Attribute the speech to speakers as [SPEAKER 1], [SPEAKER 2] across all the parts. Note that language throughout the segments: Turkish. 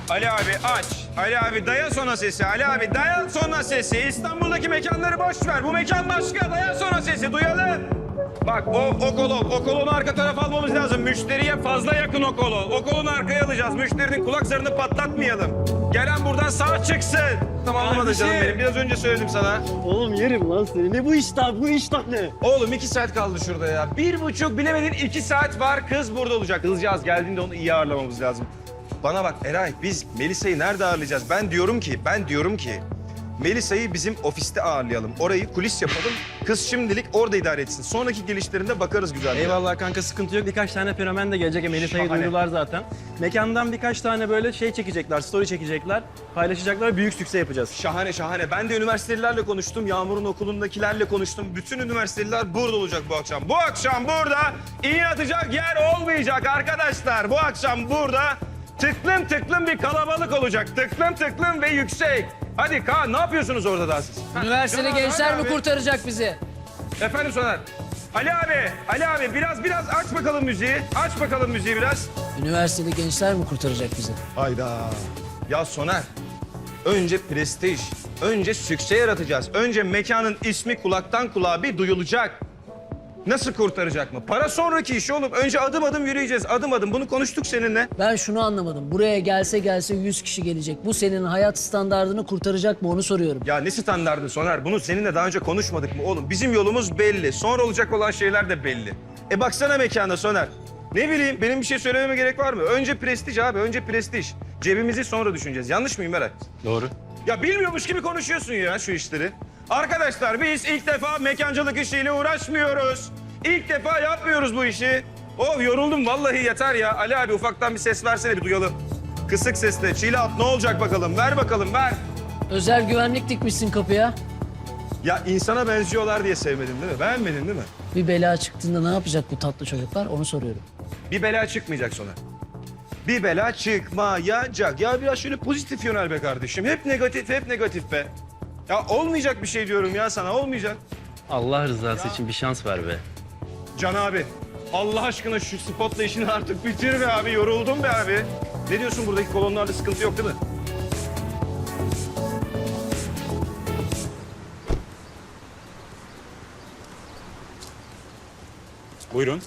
[SPEAKER 1] Ali abi aç. Ali abi dayan sona sesi. Ali abi dayan sona sesi. İstanbul'daki mekanları boş ver. Bu mekan başka. Dayan sona sesi. Duyalım. Bak o kolonu arka tarafa almamız lazım. Müşteriye fazla yakın o kolon. O kolonu arkaya alacağız. Müşterinin kulak zarını patlatmayalım. Gelen buradan sağ çıksın. Tamam anlamadı canım benim. Biraz önce söyledim sana.
[SPEAKER 2] Oğlum yerim lan seni. Ne bu iştah? Bu iştah ne?
[SPEAKER 1] Oğlum 2 saat kaldı şurada ya. 1,5 bilemedin 2 saat var. Kız burada olacak. Kızcağız geldiğinde onu iyi ağırlamamız lazım. Bana bak Eray, biz Melisa'yı nerede ağırlayacağız? Ben diyorum ki Melisa'yı bizim ofiste ağırlayalım. Orayı kulis yapalım. Kız şimdilik orada idare etsin. Sonraki gelişlerinde bakarız güzel.
[SPEAKER 2] Eyvallah kanka, sıkıntı yok. Birkaç tane fenomen de gelecek. Melisa'yı
[SPEAKER 1] Şahane.
[SPEAKER 2] duydular zaten. Mekandan birkaç tane böyle şey çekecekler, story çekecekler. Paylaşacaklar, büyük sükse yapacağız.
[SPEAKER 1] Şahane şahane. Ben de üniversitelilerle konuştum. Yağmur'un okulundakilerle konuştum. Bütün üniversiteliler burada olacak bu akşam. Bu akşam burada iğne atacak yer olmayacak arkadaşlar. Bu akşam burada tıklım tıklım bir kalabalık olacak. Tıklım tıklım ve yüksek. Hadi Kaan, ne yapıyorsunuz orada daha siz?
[SPEAKER 3] Üniversiteli
[SPEAKER 1] Canan,
[SPEAKER 3] gençler
[SPEAKER 1] hadi
[SPEAKER 3] mi
[SPEAKER 1] abi.
[SPEAKER 3] kurtaracak bizi?
[SPEAKER 1] Efendim Soner. Ali abi biraz aç bakalım müziği. Aç bakalım müziği biraz.
[SPEAKER 3] Üniversiteli gençler mi kurtaracak bizi?
[SPEAKER 1] Hayda. Ya Soner, önce prestij, önce sükse yaratacağız. Önce mekanın ismi kulaktan kulağa bir duyulacak. Nasıl kurtaracak mı? Para sonraki iş oğlum. Önce adım adım yürüyeceğiz, adım adım. Bunu konuştuk seninle.
[SPEAKER 3] Ben şunu anlamadım. Buraya gelse 100 kişi gelecek. Bu senin hayat standardını kurtaracak mı onu soruyorum.
[SPEAKER 1] Ya ne standardı Soner? Bunu seninle daha önce konuşmadık mı oğlum? Bizim yolumuz belli. Sonra olacak olan şeyler de belli. Baksana mekana Soner. Ne bileyim, benim bir şey söylememe gerek var mı? Önce prestij abi, önce prestij. Cebimizi sonra düşüneceğiz. Yanlış mıyım Berat?
[SPEAKER 2] Doğru.
[SPEAKER 1] Ya bilmiyormuş gibi konuşuyorsun ya şu işleri. Arkadaşlar biz ilk defa mekancılık işiyle uğraşmıyoruz. İlk defa yapmıyoruz bu işi. Oh yoruldum vallahi yeter ya. Ali abi ufaktan bir ses versene bir duyalım. Kısık sesle. Çiğli at ne olacak bakalım? Ver bakalım ver.
[SPEAKER 3] Özel güvenlik dikmişsin kapıya.
[SPEAKER 1] Ya insana benziyorlar diye sevmedin değil mi? Beğenmedin değil mi?
[SPEAKER 3] Bir bela çıktığında ne yapacak bu tatlı çocuklar onu soruyorum.
[SPEAKER 1] Bir bela çıkmayacak sonra. Bir bela çıkmayacak. Ya biraz şöyle pozitif yönel be kardeşim. Hep negatif be. Ya olmayacak bir şey diyorum ya sana olmayacak.
[SPEAKER 2] Allah rızası için bir şans ver be.
[SPEAKER 1] Can abi, Allah aşkına şu spotla işini artık bitir be abi. Yoruldum be abi. Ne diyorsun, buradaki kolonlarda sıkıntı yok değil mi?
[SPEAKER 4] Buyurun.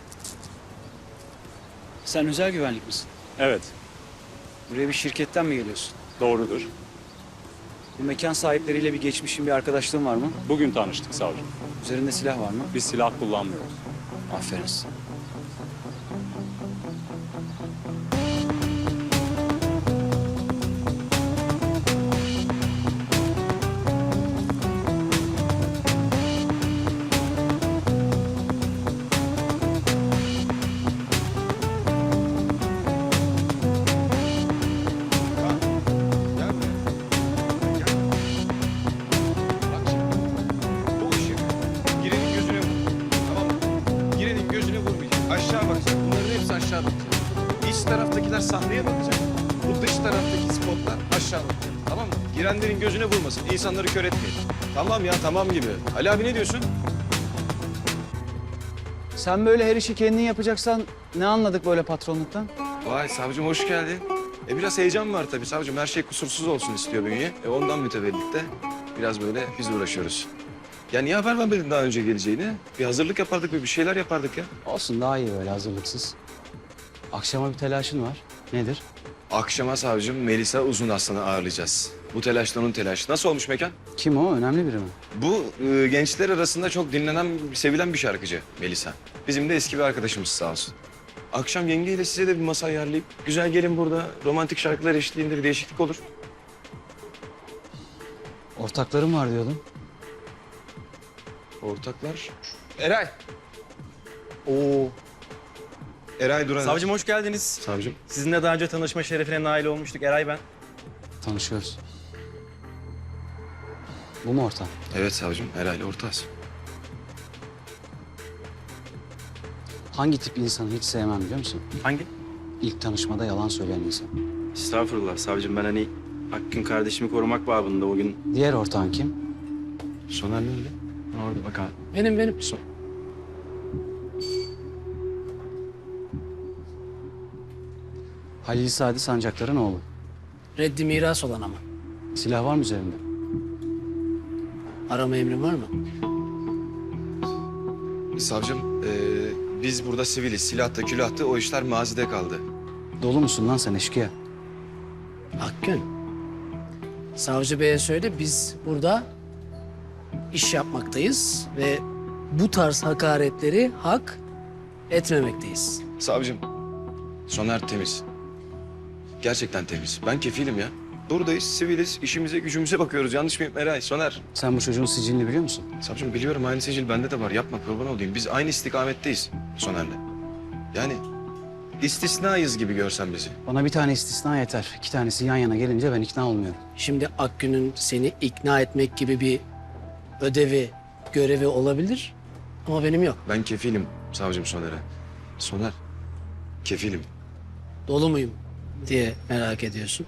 [SPEAKER 5] Sen özel güvenlik misin?
[SPEAKER 4] Evet,
[SPEAKER 5] Buraya bir şirketten mi geliyorsun?
[SPEAKER 4] doğrudur.
[SPEAKER 5] Bu mekan sahipleriyle bir geçmişin, bir arkadaşlığın var mı?
[SPEAKER 4] Bugün tanıştık savcım.
[SPEAKER 5] Üzerinde silah var mı?
[SPEAKER 4] Biz silah kullanmıyoruz.
[SPEAKER 5] Aferin size.
[SPEAKER 1] Gel buraya. Gel. Bak şimdi. Bu ışık girenin gözüne vur. Tamam mı? Girenin gözüne vurmayacak. Aşağı bakacak. Bunların hepsi aşağı bakacak. İç taraftakiler sahneye bakacak. Bu dış taraftaki spotlar aşağı bakacak. Tamam mı? Girenlerin gözüne vurmasın. İnsanları kör etmeyin. Tamam ya tamam gibi. Ali abi ne diyorsun?
[SPEAKER 5] Sen böyle her işi kendin yapacaksan ne anladık böyle patronluktan?
[SPEAKER 1] Vay savcım hoş geldin. Biraz heyecan var tabii savcım. Her şey kusursuz olsun istiyor bünye. Ondan mütevellit de biraz böyle biz uğraşıyoruz. Ya niye haber vermedin daha önce geleceğini? Bir hazırlık yapardık, bir şeyler yapardık ya.
[SPEAKER 5] Olsun, daha iyi böyle hazırlıksız. Akşama bir telaşın var. Nedir?
[SPEAKER 1] Akşama savcım Melisa Uzun Aslan'ı ağırlayacağız. Bu telaşla onun telaşı. Nasıl olmuş mekan?
[SPEAKER 5] Kim o? Önemli biri mi?
[SPEAKER 1] Bu gençler arasında çok dinlenen, sevilen bir şarkıcı Melisa. Bizim de eski bir arkadaşımız sağ olsun. Akşam yengeyle size de bir masa ayarlayıp güzel gelin burada romantik şarkılar eşliğinde bir değişiklik olur.
[SPEAKER 5] Ortaklarım var diyordun.
[SPEAKER 1] Ortaklar. Eray. Oo. Eray Duran.
[SPEAKER 2] Savcım hoş geldiniz.
[SPEAKER 1] Savcım.
[SPEAKER 2] Sizinle daha önce tanışma şerefine nail olmuştuk. Eray ben.
[SPEAKER 5] Tanışıyoruz. Bu mu ortam?
[SPEAKER 1] Evet savcım. Eray'la ortağız.
[SPEAKER 5] Hangi tip insanı hiç sevmem biliyor musun?
[SPEAKER 2] Hangi?
[SPEAKER 5] İlk tanışmada yalan söyleyen insan.
[SPEAKER 2] Estağfurullah savcım, ben hani Hakkın kardeşimi korumak babında o gün.
[SPEAKER 5] Diğer ortağın kim?
[SPEAKER 1] Soner nerede?
[SPEAKER 2] Orada bak abi.
[SPEAKER 3] Benim.
[SPEAKER 5] Halil Sadi Sancaklar'ın oğlu.
[SPEAKER 3] Reddi miras olan ama.
[SPEAKER 5] Silah var mı üzerinde?
[SPEAKER 3] Arama emrin var mı?
[SPEAKER 1] Savcım, biz burada siviliz. Silahtı, külahtı o işler mazide kaldı.
[SPEAKER 5] Dolu musun lan sen eşkıya?
[SPEAKER 3] Akgün. Savcı beye söyle biz burada iş yapmaktayız ve bu tarz hakaretleri hak etmemekteyiz.
[SPEAKER 1] Savcım, Soner temiz. Gerçekten temiz. Ben kefilim ya. Buradayız, siviliz. İşimize, gücümüze bakıyoruz. Yanlış mıyım Eray, Soner?
[SPEAKER 5] Sen bu çocuğun sicilini biliyor musun?
[SPEAKER 1] Savcım biliyorum aynı sicil bende de var. Yapma kurban olayım. Biz aynı istikametteyiz Soner'le. Yani istisnayız gibi görsen bizi.
[SPEAKER 5] Bana bir tane istisna yeter. 2 tanesi yan yana gelince ben ikna olmuyorum.
[SPEAKER 3] Şimdi Akgün'ün seni ikna etmek gibi bir ödevi, görevi olabilir ama benim yok.
[SPEAKER 1] Ben kefilim savcım Soner'e. Soner, kefilim.
[SPEAKER 3] Dolu muyum diye merak ediyorsun.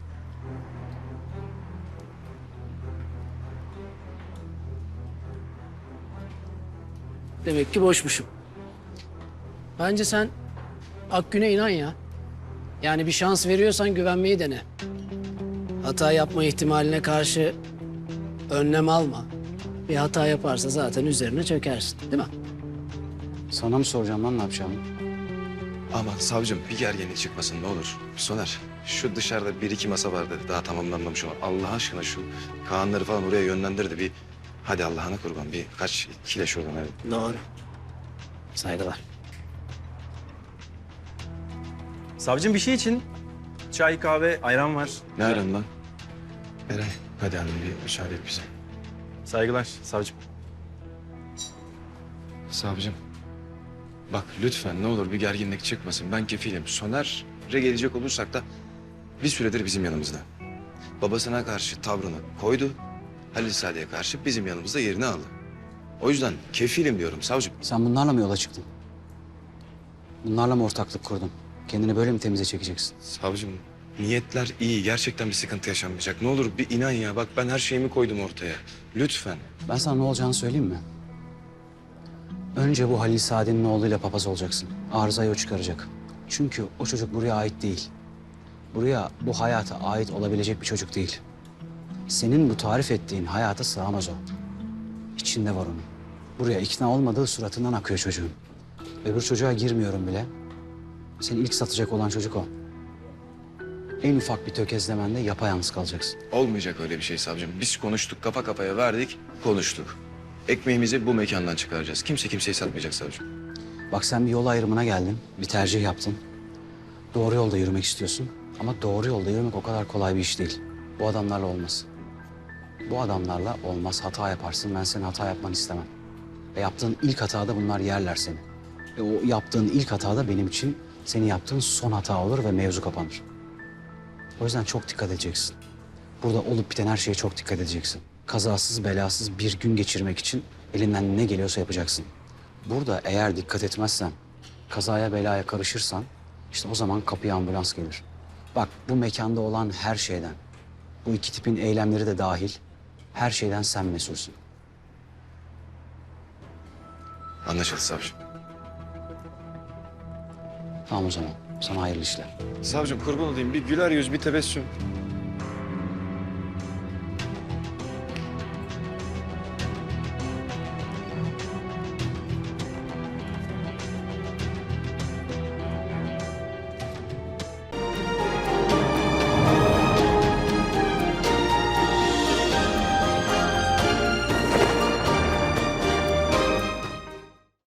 [SPEAKER 3] Demek ki boşmuşum. Bence sen Akgün'e inan ya. Yani bir şans veriyorsan güvenmeyi dene. Hata yapma ihtimaline karşı önlem alma. Bir hata yaparsa zaten üzerine çökersin, değil mi?
[SPEAKER 5] Sana mı soracağım lan ne yapacağımı?
[SPEAKER 1] Aman savcım bir gerginlik çıkmasın ne olur. Soner, şu dışarıda bir iki masa vardı. Daha tamamlanmamış olan. Allah aşkına şu Kaanları falan oraya yönlendir de bir... Hadi Allah'ına kurban bir kaç kile şuradan hadi.
[SPEAKER 3] Doğru. Saygılar.
[SPEAKER 2] Savcım bir şey için çay, kahve, ayran var.
[SPEAKER 1] Ne aran lan? Eray, hadi abi bir müsaade et bize.
[SPEAKER 2] Saygılar savcım.
[SPEAKER 1] Savcım, bak lütfen ne olur bir gerginlik çıkmasın. Ben kefilim. Soner'e gelecek olursak da bir süredir bizim yanımızda. Babasına karşı tavrını koydu. Halil Saadet'e karşı bizim yanımızda yerini aldı. O yüzden kefilim diyorum savcım.
[SPEAKER 5] Sen bunlarla mı yola çıktın? Bunlarla mı ortaklık kurdun? Kendini böyle mi temize çekeceksin?
[SPEAKER 1] Savcım, niyetler iyi. Gerçekten bir sıkıntı yaşanmayacak. Ne olur bir inan ya. Bak ben her şeyimi koydum ortaya. Lütfen.
[SPEAKER 5] Ben sana ne olacağını söyleyeyim mi? Önce bu Halil Saadet'in oğluyla papaz olacaksın. Arızayı o çıkaracak. Çünkü o çocuk buraya ait değil. Buraya, bu hayata ait olabilecek bir çocuk değil. Senin bu tarif ettiğin hayata sığamaz o. İçinde var onun. Buraya ikna olmadığı suratından akıyor çocuğun. Öbür çocuğa girmiyorum bile. Seni ilk satacak olan çocuk o. En ufak bir tökezlemende yapayalnız kalacaksın.
[SPEAKER 1] Olmayacak öyle bir şey savcım. Biz konuştuk, kafa kafaya verdik, konuştuk. Ekmeğimizi bu mekandan çıkaracağız. Kimse kimseyi satmayacak savcım.
[SPEAKER 5] Bak sen bir yol ayrımına geldin, bir tercih yaptın. Doğru yolda yürümek istiyorsun. Ama doğru yolda yürümek o kadar kolay bir iş değil. Bu adamlarla olmaz. Bu adamlarla olmaz. Hata yaparsın. Ben senin hata yapmanı istemem. Ve yaptığın ilk hatada bunlar yerler seni. Ve o yaptığın ilk hatada benim için senin yaptığın son hata olur ve mevzu kapanır. O yüzden çok dikkat edeceksin. Burada olup biten her şeye çok dikkat edeceksin. Kazasız belasız bir gün geçirmek için elinden ne geliyorsa yapacaksın. Burada eğer dikkat etmezsen, kazaya belaya karışırsan işte o zaman kapıya ambulans gelir. Bak bu mekanda olan her şeyden, bu iki tipin eylemleri de dahil her şeyden sen mesulsün.
[SPEAKER 1] Anlaşıldı savcım.
[SPEAKER 5] Tamam o zaman. Sana hayırlı işler.
[SPEAKER 1] Savcım kurban olayım bir güler yüz, bir tebessüm.